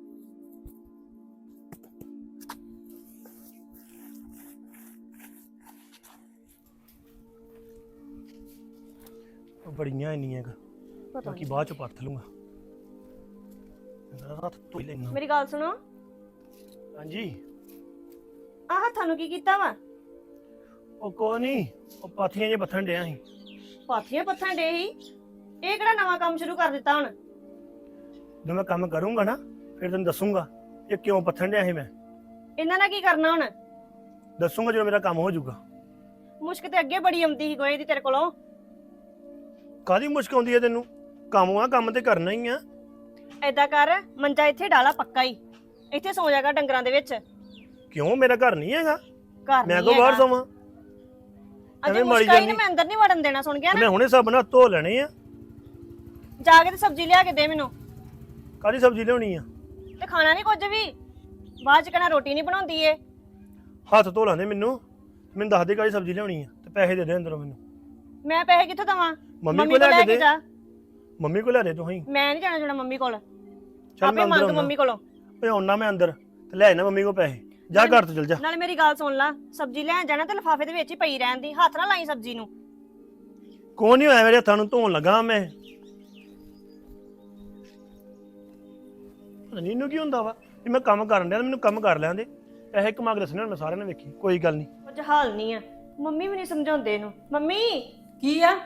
B: ਉਹ ਬੜੀਆਂ ਇੰਨੀਆਂ
A: ਪਤਾ
B: ਬਾਕੀ ਬਾਅਦ ਚ ਪਰਤ ਲੂੰਗਾ। ਹੱਥ ਧੋ ਹੀ ਲੈਣਾ।
A: ਮੇਰੀ ਗੱਲ ਸੁਣੋ,
B: ਹਾਂਜੀ।
A: ਆਹ ਹੱਥਾਂ ਨੂੰ ਕੀ ਕੀਤਾ ਵਾ?
B: ਉਹ ਕੋਈ ਨਹੀਂ, ਉਹ ਪਾਥੀਆਂ ਜੇ ਪੱਥਣ ਡਿਆ ਸੀ।
A: ਪਾਥੀਆਂ ਪੱਥਣ ਡੇ ਹੀ? ਇਹ ਕਿਹੜਾ ਨਵਾਂ ਕੰਮ ਸ਼ੁਰੂ ਕਰ ਦਿੱਤਾ ਹੁਣ?
B: ਜਦੋਂ ਮੈਂ ਕੰਮ ਕਰੂੰਗਾ ਨਾ ਫਿਰ ਤੈਨੂੰ ਦੱਸੂਗਾ ਇਹ ਕਿਉਂ ਪੱਥਣ ਡਿਆ ਸੀ। ਮੈਂ
A: ਇਹਨਾਂ ਨਾਲ ਕੀ ਕਰਨਾ ਹੁਣ?
B: ਦੱਸੂਗਾ ਜਦੋਂ ਮੇਰਾ ਕੰਮ ਹੋ ਜਾਊਗਾ।
A: ਮੁਸ਼ਕ ਤੇ ਅੱਗੇ ਬੜੀ ਆਉਂਦੀ ਸੀ ਗੋਏ ਦੀ ਤੇਰੇ ਕੋਲੋਂ।
B: ਕਾਹਦੀ ਮੁਸ਼ਕ ਆਉਂਦੀ ਹੈ ਤੈਨੂੰ? ਕੰਮ ਆ, ਕੰਮ ਤੇ ਕਰਨਾ ਹੀ ਆ।
A: ਏਦਾਂ ਕਰ, ਮੰਜਾ ਇੱਥੇ ਡਾਲਾ ਪੱਕਾ ਹੀ, ਇੱਥੇ ਸੌ ਜਾਗਾ ਡੰਗਰਾਂ ਦੇ ਵਿੱਚ।
B: ਕਿਉਂ, ਮੇਰਾ ਘਰ ਨਹੀਂ ਹੈਗਾ?
A: ਘਰ
B: ਮੈਂ
A: ਨਹੀਂ
B: ਕੋ ਬਾਹਰ
A: ਹੈਗਾ।
B: ਸੋਵਾਂ?
A: ਅਜੇ
B: ਐਵੇਂ ਮਾਰੀ
A: ਮੁਸ਼ਕ ਆਈ ਨੇ,
B: ਜਾਂਦੀ।
A: ਮੈਂ ਅੰਦਰ ਨਹੀਂ ਵੜਨ ਦੇਣਾ, ਸੁਣ ਗਿਆ
B: ਮੈਂ
A: ਨਾ?
B: ਹੁਣੇ ਸਭ ਨਾ ਧੋ ਲੈਣੇ ਆ।
A: ਜਾ ਕੇ ਤੇ ਸਬਜ਼ੀ ਲਿਆ ਕੇ ਦੇ ਮੈਨੂੰ।
B: ਕਾਹਦੀ ਸਬਜ਼ੀ ਲਿਆਉਣੀ ਆ?
A: ਤੇ ਖਾਣਾ ਨਹੀਂ ਕੁਝ ਵੀ। ਬਾਅਦ ਚ ਕਹਿਣਾ ਰੋਟੀ ਨਹੀਂ ਬਣਾਉਂਦੀ ਏ।
B: ਹੱਥ ਧੋ ਲਾਂਦੇ ਮੈਨੂੰ ਦੱਸ ਦੇ ਕਾਹਦੀ ਸਬਜ਼ੀ ਲਿਆਉਣੀ ਆ ਤੇ ਪੈਸੇ ਦੇ ਦੇ ਅੰਦਰੋਂ ਮੈਨੂੰ।
A: ਮੈਂ ਪੈਸੇ ਕਿੱਥੋਂ ਦਵਾਂ?
B: ਮੰਮੀ ਕੋਲ ਲੈ ਕੇ ਦੇ।
A: ਜਾ।
B: ਮੰਮੀ ਕੋਲ ਲੈ ਦੇ ਤੂੰ ਹੀ।
A: ਮੈਂ ਨਹੀਂ ਜਾਣਾ ਜੁਣਾ ਮੰਮੀ ਕੋਲ,
B: ਚੱਲ
A: ਆਪੇ
B: ਮੈਂ
A: ਮੰਗ
B: ਅੰਦਰ
A: ਮੰਮੀ ਕੋਲੋਂ।
B: ਓਏ ਆਉਣਾ ਮੈਂ ਅੰਦਰ ਤੇ ਲੈ ਆਣਾ ਮੰਮੀ ਕੋਲ ਪੈਸੇ। ਜਾ ਘਰ ਤੋਂ ਚਲ ਜਾ।
A: ਨਾਲੇ ਮੇਰੀ ਗੱਲ ਸੁਣ ਲਾ, ਸਬਜ਼ੀ ਲੈਣ ਜਾਣਾ ਤੇ ਲਿਫਾਫੇ ਦੇ ਵਿੱਚ ਹੀ ਪਈ ਰਹਿਣ ਦੀ, ਹੱਥ ਨਾ ਲਾਈ ਸਬਜ਼ੀ ਨੂੰ।
B: ਕੋਈ ਨਹੀਂ ਹੋਇਆ ਮੇਰੇ ਹੱਥਾਂ ਨੂੰ ਧੋਣ ਲੱਗਾ ਮੈਂ। ਪਤਾ ਨਹੀਂ ਇਹਨੂੰ ਕੀ ਹੁੰਦਾ ਵਾ ਵੀ ਮੈਂ ਕੰਮ ਕਰਨ ਡਿਆ ਮੈਨੂੰ ਕੰਮ ਕਰ ਲੈਂਦੇ। ਪੈਸੇ ਕਮਾ ਕੇ ਦੱਸਣੇ ਹੁਣ ਸਾਰਿਆਂ ਨੇ ਵੇਖੀ ਕੋਈ ਗੱਲ ਨਹੀਂ।
A: ਕੁਝ ਹਾਲ ਨਹੀਂ ਆ। ਮੰਮੀ ਵੀ ਨਹੀਂ ਸਮਝਾਉਂਦੇ ਇਹਨੂੰ। ਮੰਮੀ
D: ਕੀ ਆ?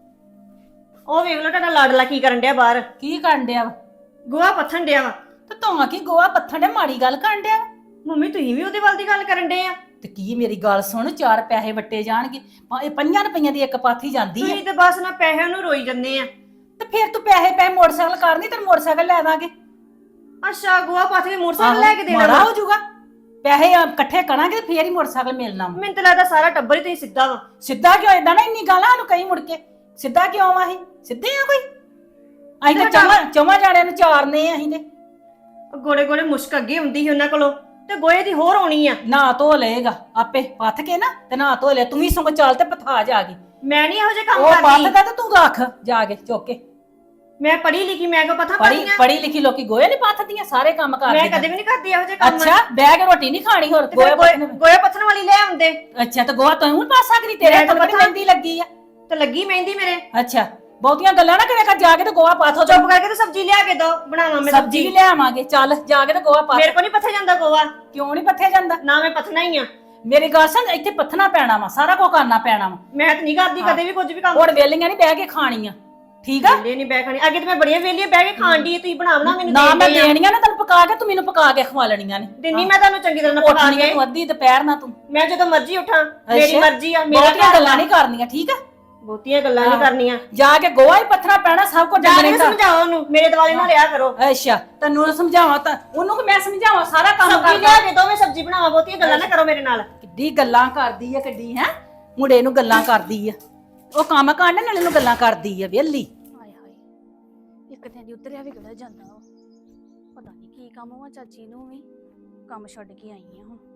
A: ਉਹ ਵੇਖ ਲੋ ਤੁਹਾਡਾ ਲਾਡਲਾ ਕੀ ਕਰਨ ਡਿਆ ਬਾਹਰ,
D: ਕੀ ਕਰਨ ਡਿਆ ਵਾ?
A: ਗੋਹਾ ਪੱਥਣ ਡਿਆ ਵਾ।
D: ਤੇ ਤੂੰ ਕੀ ਗੋਆ ਪੱਥਣ ਦੇ ਮਾੜੀ ਗੱਲ ਕਰਨ ਡਿਆ ਵਾ?
A: ਮੰਮੀ ਤੁਸੀਂ ਵੀ ਉਹਦੇ ਵੱਲ ਦੀ ਗੱਲ ਕਰਨ ਡੇ ਆ।
D: ਤੇ ਕੀ ਮੇਰੀ ਗੱਲ ਸੁਣ, 4 ਪੈਸੇ ਵੱਟੇ ਜਾਣਗੇ, ਇਹ 5 ਰੁਪਈਆਂ ਦੀ ਇੱਕ ਪਾਥੀ ਜਾਂਦੀ ਹੈ।
A: ਤੁਸੀਂ ਤੇ ਬਸ ਨਾ ਪੈਸਿਆਂ ਨੂੰ ਰੋਈ ਜੰਨੇ ਆ।
D: ਤੇ ਫਿਰ ਤੂੰ ਪੈਸੇ ਮੋਟਰਸਾਈਕਲ ਕਰਨੀ, ਤੈਨੂੰ ਮੋਟਰਸਾਈਕਲ ਲੈ ਦਾਂਗੇ।
A: ਅੱਛਾ ਗੋਹਾ ਪੱਥ ਕੇ ਮੋਟਰਸਾਈਕਲ ਲੈ ਕੇ ਦੇਣਾ
D: ਮਾੜਾ
A: ਵਾ।
D: ਹੋ ਜਾਊਗਾ। ਪੈਸੇ ਇਕੱਠੇ ਕਰਾਂਗੇ ਤੇ ਫੇਰ ਹੀ ਮੋਟਰਸਾਈਕਲ ਮਿਲਣਾ ਵਾ।
A: ਮੈਨੂੰ ਤਾਂ ਲੱਗਦਾ ਸਾਰਾ ਟੱਬਰ ਹੀ ਤੁਸੀਂ ਸਿੱਧਾ ਵਾ।
D: ਸਿੱਧਾ ਕਿਉਂ ਏਦਾਂ ਨਾ ਇੰਨੀ ਗਾਲਾਂ ਨੂੰ ਕਈ ਮੁੜ ਕੇ ਸਿੱਧਾ ਕਿਉਂ ਆ? ਅਸੀਂ ਸਿੱਧੇ ਆ ਕੋਈ? ਅਸੀਂ ਤਾਂ ਚੌਵਾਂ ਜਾਣਿਆਂ ਨੂੰ ਚਾਰਨੇ ਆ ਅਸੀਂ ਤੇ।
A: ਗੋੜੇ ਗੋੜੇ ਮੁਸ਼ਕ ਅੱਗੇ ਹੁੰਦੀ ਸੀ ਉਹਨਾਂ ਕੋਲੋਂ ਤੇ ਗੋਏ ਦੀ ਹੋਰ ਆਉਣੀ ਆ।
D: ਨਾ ਧੋ ਲਏਗਾ ਆਪੇ ਪੱਥ ਕੇ ਨਾ ਤੇ ਨਾ ਧੋ ਲੈ। ਤੂੰ ਵੀ ਸਗੋਂ ਚੱਲ ਤੇ ਪਥਾ ਜਾ ਕੇ।
A: ਮੈਂ ਨਹੀਂ ਇਹੋ ਜਿਹੇ ਕੰਮ
D: ਉਹ
A: ਕਰਦੀ।
D: ਪੱਥਦਾ ਤੇ ਤੂੰ ਰੱਖ ਜਾ ਕੇ ਚੁੱਕ ਕੇ।
A: ਮੈਂ ਪੜ੍ਹੀ ਲਿਖੀ, ਮੈਂ ਕੋ ਪਤਾ
D: ਪੜੀ
A: ਪੜੀਆਂ।
D: ਪੜੀ ਲਿਖੀ ਲੋਕੀ ਗੋਏ ਨਹੀਂ ਪੱਥਦੀਆਂ, ਸਾਰੇ ਕੰਮ
A: ਮੈਂ
D: ਕਰਦੇ।
A: ਕਦੇ ਵੀ ਨਹੀਂ ਕਰਦੀ ਇਹੋ ਜਿਹੇ ਕੰਮ।
D: ਅੱਛਾ ਬਹਿ ਕੇ ਰੋਟੀ ਨਹੀਂ ਖਾਣੀ ਹੋਰ
A: ਤੇ ਫਿਰ
D: ਗੋਏ
A: ਗੋਏ ਪੱਥਣ ਵਾਲੀ ਲੈ ਆਉਂਦੇ।
D: ਅੱਛਾ ਤੇ ਗੋਆ ਤੂੰ ਹੁਣ ਪਾ ਸਕਦੀ? ਤੇਰੇ
A: ਮੈਂ ਤਾਂ
D: ਤਾਂ ਬੜੀ
A: ਪੱਥਾ-
D: ਮਹਿੰਦੀ ਲੱਗੀ ਆ।
A: ਤੇ ਲੱਗੀ ਮਹਿੰਦੀ ਮੇਰੇ।
D: ਅੱਛਾ ਬਹੁਤੀਆਂ ਗੱਲਾਂ ਨਾ ਕਰਿਆ ਕਰ, ਜਾ ਕੇ ਤੇ ਗੋਆ ਪਾਥੋ।
A: ਚੁੱਪ ਕਰਕੇ ਤੇ ਸਬਜ਼ੀ ਲਿਆ ਕੇ ਦੋ, ਬਣਾਵਾਂ ਮੈਂ
D: ਸਬਜ਼ੀ ਵੀ ਲਿਆਵਾਂਗੇ। ਚੱਲ ਜਾ ਕੇ ਤੇ ਗੋਆ ਪਾ।
A: ਮੇਰੇ ਕੋ ਨਹੀਂ ਪੱਥਿਆ ਜਾਂਦਾ ਗੋਆ।
D: ਕਿਉਂ ਨਹੀਂ ਪੱਥਿਆ ਜਾਂਦਾ?
A: ਨਾ ਮੈਂ ਪੱਥਣਾ ਹੀ ਆ।
D: ਮੇਰੀ ਗੱਲ ਸੁਣ, ਇੱਥੇ ਪੱਥਣਾ ਪੈਣਾ ਵਾ, ਸਾਰਾ ਕੁਝ ਕਰਨਾ ਪੈਣਾ ਵਾ।
A: ਮੈਂ ਤਾਂ ਨਹੀਂ ਕਰਦੀ ਕਦੇ ਵੀ ਕੁਝ ਵੀ ਕੰਮ।
D: ਹੁਣ ਵੇਲੀਆਂ ਨਹੀਂ ਬਹਿ ਕੇ ਖਾਣੀਆਂ, ਠੀਕ ਆ?
A: ਵੇਲੇ ਨਹੀਂ ਬਹਿ ਖਾਣੀ। ਅੱਗੇ ਤੇ ਮੈਂ ਬੜੀਆਂ ਵੇਲੀਆਂ ਬਹਿ ਕੇ ਖਾਣ ਦੀ, ਤੁਸੀਂ ਬਣਾਵਣਾ ਮੈਨੂੰ
D: ਨਾ ਮੈਂ
A: ਦੇ ਦੇ।
D: ਦੇਣੀਆਂ ਨਾ ਤੈਨੂੰ ਪਕਾ ਕੇ, ਤੂੰ ਮੈਨੂੰ ਪਕਾ ਕੇ ਖਵਾ ਲੈਣੀਆਂ ਨੇ।
A: ਦਿੰਨੀ ਮੈਂ ਤੁਹਾਨੂੰ ਚੰਗੀ ਤਰ੍ਹਾਂ ਪਕਾ
D: ਉੱਠਣੀਆਂ
A: ਕੇ।
D: ਤੂੰ ਅੱਧੀ ਦੁਪਹਿਰ ਨਾ ਤੂੰ।
A: ਮੈਂ ਜਦੋਂ ਮਰਜ਼ੀ ਉੱਠਾਂ, ਮੇਰੀ
D: ਅੱਛਾ।
A: ਮਰਜ਼ੀ ਆ। ਮੇਰਾ
D: ਬਹੁਤੀਆਂ
A: ਘਰ
D: ਗੱਲਾਂ ਨਹੀਂ ਕਰਨੀਆਂ, ਠੀਕ ਆ?
A: ਬਹੁਤੀਆਂ ਗੱਲਾਂ ਨਹੀਂ ਕਰਨੀਆਂ।
D: ਜਾ ਕੇ ਗੋਆ ਹੀ ਪੱਥਣਾ ਪੈਣਾ, ਸਭ ਕੁਝ
A: ਜਾ
D: ਡੰਗਰੇ
A: ਕੇ
D: ਦਾ।
A: ਸਮਝਾਓ ਉਹਨੂੰ, ਮੇਰੇ ਦੁਆਲੇ ਨਾ ਰਿਹਾ ਕਰੋ।
D: ਅੱਛਾ ਤੈਨੂੰ ਸਮਝਾਵਾਂ ਤਾਂ ਉਹਨੂੰ ਕਿ ਮੈਂ ਸਮਝਾਵਾਂ? ਸਾਰਾ ਕੰਮ
A: ਸਬਜ਼ੀ
D: ਕਰਦਾ।
A: ਲਿਆ ਕੇ ਦੋ, ਮੈਂ ਸਬਜ਼ੀ ਬਣਾਵਾਂ। ਬਹੁਤੀਆਂ ਗੱਲਾਂ ਨਾ ਕਰੋ ਮੇਰੇ ਨਾਲ।
D: ਕਿੱਡੀ ਗੱਲਾਂ ਕਰਦੀ ਆ, ਕਿੱਡੀ ਹੈ ਮੁੰਡੇ ਨੂੰ ਗੱਲਾਂ ਕਰਦੀ ਆ। ਉਹ ਕੰਮ ਕਰਨ ਨਾਲੇ ਨੂੰ ਗੱਲਾਂ ਕਰਦੀ ਆ ਵਿਹਲੀ।
F: ਹਾਏ ਹਾਏ, ਇੱਕ ਦਿਨ ਦੀ ਉਤਰਿਆ ਵੀ ਕਿਹੜਾ ਜਾਂਦਾ ਵਾ। ਪਤਾ ਨਹੀਂ ਕੀ ਕੰਮ ਵਾ ਚਾਚੀ ਨੂੰ ਵੀ। ਕੰਮ ਛੱਡ ਕੇ ਆਈ ਆ ਹੁਣ।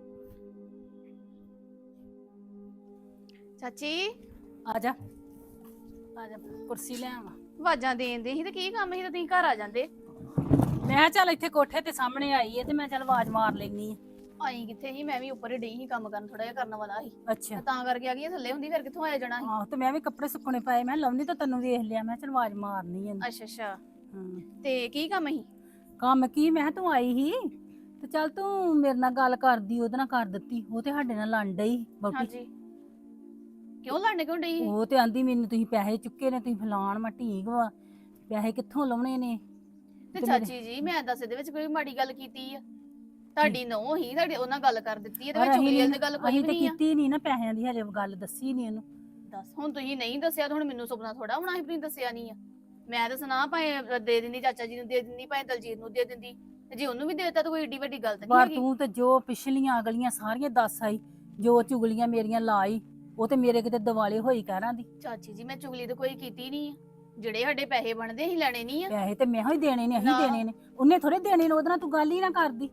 F: ਚਾਚੀ
D: ਆ ਜਾ ਆ ਜਾ, ਕੁਰਸੀ ਲੈ ਆਵਾਂ।
F: ਆਵਾਜ਼ਾਂ ਦੇਂਦੇ ਸੀ ਤੇ ਕੀ ਕੰਮ ਸੀ ਤੇ ਤੁਸੀਂ ਘਰ ਆ ਜਾਂਦੇ।
D: ਮੈਂ ਕਿਹਾ ਚੱਲ ਇੱਥੇ ਕੋਠੇ ਤੇ ਸਾਹਮਣੇ ਆਈ ਹੈ ਤੇ ਮੈਂ ਚੱਲ ਆਵਾਜ਼ ਮਾਰ ਲੈਣੀ ਆ।
F: ਆਈ ਕਿੱਥੇ ਸੀ, ਮੈਂ ਵੀ ਉੱਪਰ ਹੀ ਡਈ ਸੀ ਕੰਮ ਕਰਨ, ਥੋੜਾ ਜਿਹਾ ਕਰਨ ਵਾਲਾ ਸੀ
D: ਅੱਛਾ
F: ਤੇ ਤਾਂ ਕਰਕੇ ਆ ਗਈ। ਥੱਲੇ ਹੁੰਦੀ ਫਿਰ ਕਿੱਥੋਂ ਆਇਆ ਜਾਣਾ ਸੀ।
D: ਆਹੋ ਤੇ ਮੈਂ ਵੀ ਕੱਪੜੇ ਸੁੱਕਣੇ ਪਾਏ, ਮੈਂ ਲਾਉਣੀ ਤਾਂ ਤੈਨੂੰ ਵੇਖ ਲਿਆ, ਮੈਂ ਚੱਲ ਆਵਾਜ਼ ਮਾਰਨੀ ਆ।
F: ਅੱਛਾ ਅੱਛਾ,
D: ਹਾਂ
F: ਤੇ ਕੀ ਕੰਮ ਸੀ?
D: ਕੰਮ ਕੀ, ਮੈਂ ਕਿਹਾ ਤੂੰ ਆਈ ਸੀ ਤੇ ਚੱਲ ਤੂੰ ਮੇਰੇ ਨਾਲ ਗੱਲ ਕਰਦੀ, ਉਹਦੇ ਨਾਲ ਕਰ ਦਿੱਤੀ। ਉਹ ਤੇ ਸਾਡੇ ਨਾਲ ਲੜ ਡਈ ਬੌਟੀ।
F: ਹਾਂਜੀ, ਕਿਉਂ ਲੜਨੇ ਕਿਉਂ ਡਈ?
D: ਉਹ ਤੇ ਆਂਦੀ ਮੈਨੂੰ ਤੁਸੀਂ ਪੈਸੇ ਚੁੱਕੇ ਨੇ, ਤੁਸੀਂ ਫਲਾਣ ਮੈਂ ਢੀਂਗ ਵਾ, ਪੈਸੇ ਕਿੱਥੋਂ ਲਾਉਣੇ ਨੇ?
F: ਤੇ ਚਾਚੀ ਜੀ ਮੈਂ ਦੱਸ ਇਹਦੇ ਵਿੱਚ ਕੋਈ ਮਾੜੀ ਗੱਲ ਕੀਤੀ ਆ? ਤੁਹਾਡੀ ਨਹੁੰ ਹੀ ਤੁਹਾਡੇ ਉਹਨਾਂ ਗੱਲ ਕਰ ਦਿੱਤੀ, ਇਹਦੇ ਵਿੱਚ ਚੁਗਲੀ ਵਾਲੀ ਗੱਲ ਕੋਈ
D: ਅਸੀਂ
F: ਵੀ
D: ਤੇ
F: ਨਹੀਂ ਆ।
D: ਕੀਤੀ ਨਹੀਂ ਨਾ, ਪੈਸਿਆਂ ਦੀ ਹਜੇ ਗੱਲ ਦੱਸੀ ਨਹੀਂ ਉਹਨੂੰ।
F: ਦੱਸ ਹੁਣ ਤੁਸੀਂ ਨਹੀਂ ਦੱਸਿਆ ਤਾਂ ਹੁਣ ਮੈਨੂੰ ਸੁਪਨਾ ਥੋੜਾ ਹੋਣਾ ਸੀ, ਤੁਸੀਂ ਦੱਸਿਆ ਨਹੀਂ ਆ। ਮੈਂ ਤਾਂ ਸੁਣਾ ਭਾਵੇਂ ਦੇ ਦਿੰਦੀ, ਚਾਚਾ ਜੀ ਨੂੰ ਦੇ ਦਿੰਦੀ, ਭਾਵੇਂ ਦਲਜੀਤ ਨੂੰ ਦੇ ਦਿੰਦੀ, ਤੇ ਜੇ ਉਹਨੂੰ ਵੀ ਦੇ ਦਿੱਤਾ ਤਾਂ ਕੋਈ ਏਡੀ ਵੱਡੀ ਗੱਲ ਤਾਂ ਨਹੀਂ
D: ਪਰ
F: ਹੈਗੀ।
D: ਤੂੰ ਤੇ ਜੋ ਪਿਛਲੀਆਂ ਅਗਲੀਆਂ ਸਾਰੀਆਂ ਦੱਸ ਆਈ, ਜੋ ਚੁਗਲੀਆਂ ਮੇਰੀਆਂ ਲਾਈ, ਉਹ ਤੇ ਮੇਰੇ ਕਿਤੇ ਦਿਵਾਲੇ ਹੋਈ ਕਹਿਰਾਂ ਦੀ।
F: ਚਾਚੀ ਜੀ ਮੈਂ ਚੁਗਲੀ ਤਾਂ ਕੋਈ ਕੀਤੀ ਨਹੀਂ ਆ। ਜਿਹੜੇ ਸਾਡੇ ਪੈਸੇ ਬਣਦੇ ਅਸੀਂ ਲੈਣੇ ਨਹੀਂ ਆ।
D: ਪੈਸੇ ਤੇ ਮੈਂ ਹੀ ਦੇਣੇ ਨੇ, ਅਸੀਂ
F: ਨਾ।
D: ਦੇਣੇ ਨੇ, ਉਹਨੇ ਥੋੜੇ ਦੇਣੇ ਨੇ। ਉਹਦੇ ਨਾਲ ਤੂੰ ਗੱਲ ਹੀ ਨਾ ਕਰਦੀ।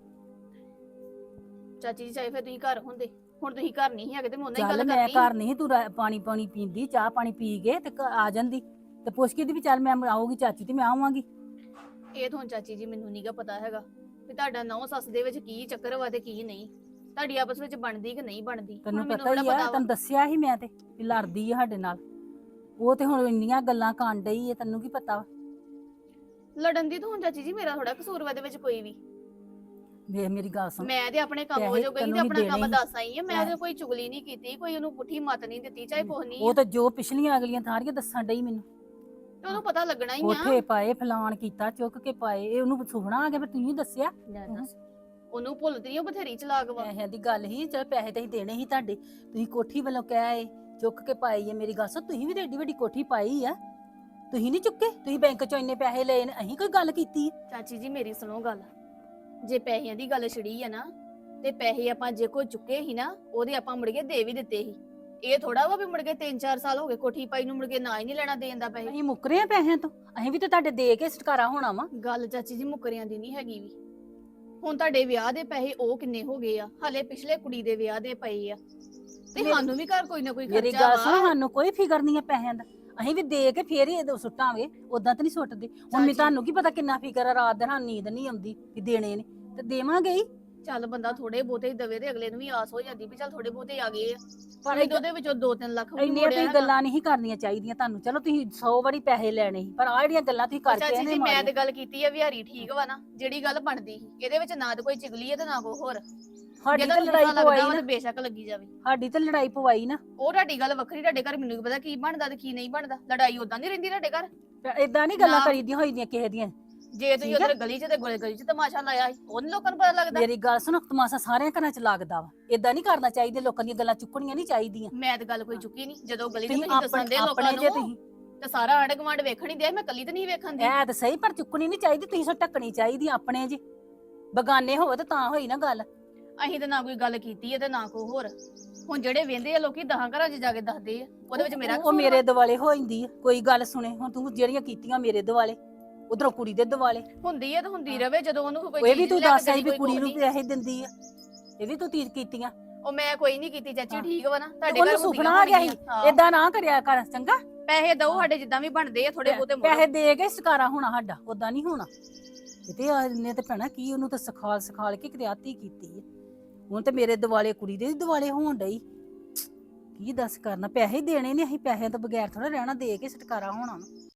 F: ਚਾਚੀ ਜੀ ਚਾਹੇ ਫਿਰ ਤੁਸੀਂ ਘਰ ਹੁੰਦੇ, ਹੁਣ ਤੁਸੀਂ ਘਰ ਨਹੀਂ ਹੈਗੇ ਤੇ ਮੈਂ ਉਹਨਾਂ ਹੀ
D: ਚੱਲ
F: ਗੱਲ
D: ਮੈਂ
F: ਕਰਨੀ।
D: ਘਰ ਨਹੀਂ, ਤੂੰ ਪਾਣੀ ਪਾਣੀ ਪੀਂਦੀ, ਚਾਹ ਪਾਣੀ ਪੀ ਕੇ ਤੇ ਆ ਜਾਂਦੀ ਤੇ ਪੁੱਛ ਕੇ ਦੀ ਵੀ ਚੱਲ ਮੈਂ ਆਊਗੀ ਚਾਚੀ ਤੇ ਮੈਂ ਆਵਾਂਗੀ।
F: ਇਹ ਤਾਂ ਹੁਣ ਚਾਚੀ ਜੀ ਮੈਨੂੰ ਨਹੀਂਗਾ ਪਤਾ ਹੈਗਾ ਵੀ ਤੁਹਾਡਾ ਨਹੁੰ ਸੱਸ ਦੇ ਵਿੱਚ ਕੀ ਚੱਕਰ ਵਾ ਤੇ ਕੀ ਨਹੀਂ, ਤੁਹਾਡੀ ਆਪਸ ਵਿੱਚ ਬਣਦੀ ਕਿ ਨਹੀਂ ਬਣਦੀ।
D: ਤੈਨੂੰ
F: ਹੁਣ
D: ਪਤਾ ਹੀ
F: ਥੋੜ੍ਹਾ
D: ਆ,
F: ਵਾ।
D: ਤੈਨੂੰ ਦੱਸਿਆ ਸੀ ਮੈਂ ਤੇ ਵੀ ਲੜਦੀ ਆ ਸਾਡੇ ਨਾਲ। ਉਹ ਤੇ ਹੁਣ ਇੰਨੀਆਂ ਗੱਲਾਂ ਕਰਨ ਡਈ ਆ, ਤੈਨੂੰ ਕੀ ਪਤਾ ਵਾ?
F: ਲੜਨ ਦੀ ਤਾਂ ਹੁਣ ਚਾਚੀ ਜੀ ਮੇਰਾ ਥੋੜਾ ਕਸੂਰ ਵਾ ਇਹਦੇ ਵਿੱਚ ਕੋਈ ਵੀ।
D: ਵੇਖ ਮੇਰੀ ਗੱਲ ਸੁਣ,
F: ਮੈਂ ਤੇ ਆਪਣੇ ਕੰਮ ਹੋ
D: ਪੈਸੇ
F: ਜੋ ਗਈ
D: ਤੈਨੂੰ
F: ਤੇ
D: ਵੀ
F: ਆਪਣਾ ਕੰਮ
D: ਦੇਣੇ
F: ਦੱਸ ਆਈ ਆ। ਮੈਂ
D: ਪੈਸੇ।
F: ਤੇ ਕੋਈ ਚੁਗਲੀ ਨਹੀਂ ਕੀਤੀ, ਕੋਈ ਉਹਨੂੰ ਪੁੱਠੀ ਮੱਤ ਨਹੀਂ ਦਿੱਤੀ, ਚਾਹੇ ਕੁਛ ਨਹੀਂ
D: ਉਹ
F: ਆ।
D: ਤਾਂ ਜੋ ਪਿਛਲੀਆਂ ਅਗਲੀਆਂ ਸਾਰੀਆਂ ਦੱਸਣ ਡਈ ਮੈਨੂੰ।
F: ਤੇ ਉਹਨੂੰ ਪਤਾ ਲੱਗਣਾ ਹੀ ਆ।
D: ਕੋਠੇ ਪਾਏ, ਫਲਾਣ ਕੀਤਾ, ਚੁੱਕ ਕੇ ਪਾਏ, ਇਹ ਉਹਨੂੰ ਸੁਪਨਾ ਆ ਗਿਆ ਫਿਰ ਤੁਸੀਂ ਦੱਸਿਆ।
F: ਲੈ ਦੱਸ, ਉਹਨੂੰ ਭੁੱਲਦੀ ਨਹੀਂ, ਉਹ ਬਥੇਰੀ ਚਲਾਕ ਵਾ।
D: ਪੈਸਿਆਂ ਦੀ ਗੱਲ ਹੀ, ਚਲ ਪੈਸੇ ਤੇ ਹੀ ਦੇਣੇ ਸੀ ਤੁਹਾਡੇ, ਤੁਸੀਂ ਕੋਠੀ ਵੱਲੋਂ ਕਹਿ ਚੁੱਕ ਕੇ ਪਾਈ ਹੈ। ਮੇਰੀ ਗੱਲ ਸੁਣ, ਤੁਸੀਂ ਵੀ ਤੇ ਏਡੀ ਵੱਡੀ ਕੋਠੀ ਪਾਈ ਆ, ਤੁਸੀਂ ਨਹੀਂ ਚੁੱਕੇ? ਤੁਸੀਂ ਬੈਂਕ ਚੋਂ ਇੰਨੇ ਪੈਸੇ ਲਏ ਨੇ, ਅਸੀਂ ਕੋਈ ਗੱਲ ਕੀਤੀ?
F: ਚਾਚੀ ਜੀ ਮੇਰੀ ਸੁਣੋ ਗੱਲ, ਜੇ ਪੈਸਿਆਂ ਦੀ ਗੱਲ ਛਿੜੀ ਆ ਨਾ, ਤੇ ਪੈਸੇ ਆਪਾਂ ਜੇ ਕੋਈ ਚੁੱਕੇ ਸੀ ਨਾ, ਉਹਦੇ ਆਪਾਂ ਮੁੜ ਕੇ ਦੇ ਵੀ ਦਿੱਤੇ ਸੀ। ਇਹ ਥੋੜਾ ਵਾ ਵੀ ਮੁੜ ਕੇ 3-4 ਸਾਲ ਹੋ ਗਏ ਕੋਠੀ ਪਾਈ ਨੂੰ, ਮੁੜ ਕੇ ਨਾ ਹੀ ਨਹੀਂ ਲੈਣਾ ਦੇਣ ਦਾ ਪੈਸੇ।
D: ਅਸੀਂ ਮੁੱਕਰੇ ਆ ਪੈਸਿਆਂ ਤੋਂ, ਅਸੀਂ ਵੀ ਤੇ ਤੁਹਾਡੇ ਦੇ ਕੇ ਛੁਟਕਾਰਾ ਹੋਣਾ ਵਾ।
F: ਗੱਲ ਚਾਚੀ ਜੀ ਮੁੱਕਰਿਆਂ ਦੀ ਨਹੀਂ ਹੈਗੀ ਵੀ। ਹੁਣ ਤੁਹਾਡੇ ਵਿਆਹ ਦੇ ਪੈਸੇ ਉਹ ਕਿੰਨੇ ਹੋ ਗਏ ਆ, ਹਲੇ ਪਿਛਲੇ ਕੁੜੀ ਦੇ ਵਿਆਹ ਦੇ ਪਏ ਆ, ਤੇ ਸਾਨੂੰ ਵੀ ਘਰ ਕੋਈ ਨਾ ਕੋਈ
D: ਮੇਰੀ
F: ਖਰਚਾ
D: ਗੱਲ ਸੁਣ,
F: ਵਾ।
D: ਸਾਨੂੰ ਕੋਈ ਫਿਕਰ ਨਹੀਂ ਹੈ ਪੈਸਿਆਂ ਦਾ, ਅਸੀਂ ਵੀ ਦੇ ਕੇ ਫੇਰ ਹੀ ਇਹਦੇ ਸੁੱਟਾਂਗੇ, ਉਦਾਂ ਤਾਂ ਨਹੀਂ ਸੁੱਟਦੇ। ਹੁਣ ਮੈਂ ਤੁਹਾਨੂੰ ਕੀ ਪਤਾ ਕਿੰਨਾ ਫਿਕਰ ਆ, ਰਾਤ ਦਿਨ ਸਾਨੂੰ ਨੀਂਦ ਨਹੀਂ ਆਉਂਦੀ ਕਿ ਦੇਣੇ ਨੇ, ਤੇ ਦੇਵਾਂਗੇ ਹੀ।
F: ਚੱਲ ਬੰਦਾ ਥੋੜੇ ਬਹੁਤੇ ਹੀ ਦਵੇ ਤੇ ਅਗਲੇ ਨੂੰ ਵੀ ਆਸ ਹੋ ਜਾਂਦੀ ਵੀ ਚੱਲ ਥੋੜੇ ਬਹੁਤੇ ਆ ਗਏ ਆ,
D: ਪਰ
F: ਪਰ ਉਹਦੇ ਵਿੱਚੋਂ 2-3 ਲੱਖ ਵੀ
D: ਇੰਨੀਆਂ
F: ਮੋੜਿਆ
D: ਤੁਸੀਂ ਗੱਲਾਂ ਨਹੀਂ ਕਰਨੀਆਂ ਚਾਹੀਦੀਆਂ ਤੁਹਾਨੂੰ। ਚਲੋ ਤੁਸੀਂ 100 ਵਾਰੀ ਪੈਸੇ ਲੈਣੇ ਸੀ, ਪਰ ਆਹ ਜਿਹੜੀਆਂ ਗੱਲਾਂ ਤੁਸੀਂ ਕਰਕੇ
F: ਚਾਚੀ
D: ਇਹਨੇ
F: ਜੀ ਮੈਂ
D: ਮਾਰੀਆਂ।
F: ਤੇ ਗੱਲ ਕੀਤੀ ਆ ਵਿਹਾਰੀ ਠੀਕ ਵਾ ਨਾ, ਜਿਹੜੀ ਗੱਲ ਬਣਦੀ ਸੀ ਇਹਦੇ ਵਿੱਚ ਨਾ ਤਾਂ ਕੋਈ ਚਿਗਲੀ ਹੈ ਤੇ ਨਾ ਕੋਈ ਹੋਰ।
D: ਸਾਡੀ
F: ਜੇ
D: ਤਾਂ
F: ਤੁਹਾਨੂੰ
D: ਲੜਾਈ
F: ਲੱਗਦਾ
D: ਪਵਾਈ
F: ਵਾ
D: ਨਾ,
F: ਤੇ ਬੇਸ਼ੱਕ ਲੱਗੀ ਜਾਵੇ।
D: ਸਾਡੀ ਤਾਂ ਲੜਾਈ ਪਵਾਈ ਨਾ।
F: ਉਹ ਤੁਹਾਡੀ ਗੱਲ ਵੱਖਰੀ, ਤੁਹਾਡੇ ਘਰ ਮੈਨੂੰ ਕੀ ਪਤਾ ਕੀ ਬਣਦਾ ਤੇ ਕੀ ਨਹੀਂ ਬਣਦਾ, ਲੜਾਈ ਉਦਾਂ ਨਹੀਂ ਰਹਿੰਦੀ ਤੁਹਾਡੇ ਘਰ।
D: ਏਦਾਂ ਨਹੀਂ ਗੱਲਾਂ
F: ਨਾ।
D: ਕਰੀਦੀਆਂ ਹੋਈਆਂ ਕਿਸੇ ਦੀਆਂ।
F: ਜੇ ਤੁਸੀਂ
D: ਠੀਕ ਆ?
F: ਉਧਰ ਗਲੀ 'ਚ ਤੇ ਗਲੀ 'ਚ ਤਮਾਸ਼ਾ ਲਾਇਆ ਸੀ, ਉਹਨੂੰ ਲੋਕਾਂ ਨੂੰ ਪਤਾ ਲੱਗਦਾ।
D: ਮੇਰੀ ਗੱਲ ਸੁਣ, ਤਮਾਸ਼ਾ ਸਾਰਿਆਂ ਘਰਾਂ 'ਚ ਲੱਗਦਾ ਵਾ, ਏਦਾਂ ਨਹੀਂ ਕਰਨਾ ਚਾਹੀਦਾ, ਲੋਕਾਂ ਦੀਆਂ ਗੱਲਾਂ ਚੁੱਕਣੀਆਂ ਨਹੀਂ ਚਾਹੀਦੀਆਂ।
F: ਮੈਂ ਤੇ ਗੱਲ ਕੋਈ ਚੁੱਕੀ ਨਹੀਂ, ਜਦੋਂ ਗਲੀ 'ਚ
D: ਤੁਸੀਂ
F: ਤੁਸੀਂ ਦੱਸਣ ਦੇ ਲੋਕਾਂ
D: ਆਪਣੇ ਜੇ
F: ਨੂੰ
D: ਤੁਸੀਂ
F: ਤੇ ਸਾਰਾ ਆਂਢ ਗੁਆਂਢ ਵੇਖਣ ਹੀ ਦਿਆ, ਮੈਂ ਕੱਲੀ ਤੇ ਨਹੀਂ ਵੇਖਣ ਦੀ।
D: ਐ ਤਾਂ ਸਹੀ, ਪਰ ਚੁੱਕਣੀ ਨਹੀਂ ਚਾਹੀਦੀ, ਤੁਸੀਂ ਸੋ ਢੱਕਣੀ ਚਾਹੀਦੀ ਆਪਣੇ ਜੀ। ਬਗਾਨੇ ਹੋਵੇ ਤਾਂ ਹੋਈ ਨਾ ਗੱਲ।
F: ਅਸੀਂ ਤਾਂ ਨਾ ਕੋਈ ਗੱਲ ਕੀਤੀ ਹੈ ਤੇ ਨਾ ਕੋਈ ਹੋਰ। ਹੁਣ ਜਿਹੜੇ ਵੇਂਦੇ ਆ ਲੋਕੀ 10 ਘਰਾਂ 'ਚ ਜਾ ਕੇ ਦੱਸਦੇ ਆ, ਉਹਦੇ ਵਿੱਚ ਮੇਰਾ
D: ਉਹ
F: ਕਸੂਰ
D: ਮੇਰੇ
F: ਵਾ?
D: ਦਿਵਾਲੇ ਹੋ ਜਾਂਦੀ ਆ, ਕੋਈ ਗੱਲ ਸੁਣੇ। ਹੁਣ ਤੂੰ ਜਿਹੜੀਆਂ ਕੀਤੀਆਂ ਮੇਰੇ ਦਿਵਾਲੇ, ਉਧਰੋਂ ਕੁੜੀ ਦੇ ਦਿਵਾਲੇ।
F: ਹੁੰਦੀ ਹੈ ਤੇ ਹੁੰਦੀ ਰਵੇ, ਜਦੋਂ ਉਹਨੂੰ ਕੋਈ
D: ਇਹ ਵੀ
F: ਚੀਜ਼
D: ਤੂੰ
F: ਲੈ ਕੇ
D: ਦੱਸ ਆਈ
F: ਦੇਣੀ,
D: ਵੀ
F: ਕੋਈ
D: ਕੁੜੀ ਨੂੰ
F: ਨਹੀਂ।
D: ਪੈਸੇ ਦਿੰਦੀ ਆ, ਇਹ ਵੀ ਤੂੰ ਤੀਰ ਕੀਤੀਆਂ।
F: ਉਹ ਮੈਂ ਕੋਈ ਨਹੀਂ ਕੀਤੀ ਚਾਚੀ,
D: ਹਾਂ।
F: ਠੀਕ ਵਾ ਨਾ, ਤੁਹਾਡੇ
D: ਉਹਨੂੰ
F: ਘਰ
D: ਸੁਪਨਾ ਆ ਗਿਆ ਸੀ, ਏਦਾਂ ਨਾ ਕਰਿਆ ਕਰ ਚੰਗਾ।
F: ਪੈਸੇ ਦਓ ਸਾਡੇ ਜਿੱਦਾਂ ਵੀ ਬਣਦੇ ਆ, ਥੋੜੇ ਬਹੁਤੇ ਮੋੜੋ।
D: ਪੈਸੇ ਦੇ ਕੇ ਸ਼ਿਕਾਰਾ ਹੋਣਾ ਸਾਡਾ, ਉਦਾਂ ਨਹੀਂ ਹੋਣਾ ਕਿਤੇ। ਨੇ ਤੇ ਭੈਣਾ ਕੀ ਉਹਨੂੰ ਤਾਂ ਸਿਖਾਲ ਕੇ ਕਿਤੇ ਆਤੀ ਕੀਤੀ ਹੈ। ਹੁਣ ਤੇ ਮੇਰੇ ਦਿਵਾਲੇ ਕੁੜੀ ਦੇ ਦਿਵਾਲੇ ਹੋਣ ਡਈ, ਕੀ ਦੱਸ ਕਰਨਾ। ਪੈਸੇ ਦੇਣੇ ਨੇ ਅਸੀਂ, ਪੈਸਿਆਂ ਤੋਂ ਬਗੈਰ ਥੋੜਾ ਰਹਿਣਾ, ਦੇ ਕੇ ਛੁਟਕਾਰਾ ਹੋਣਾ ਵਾ।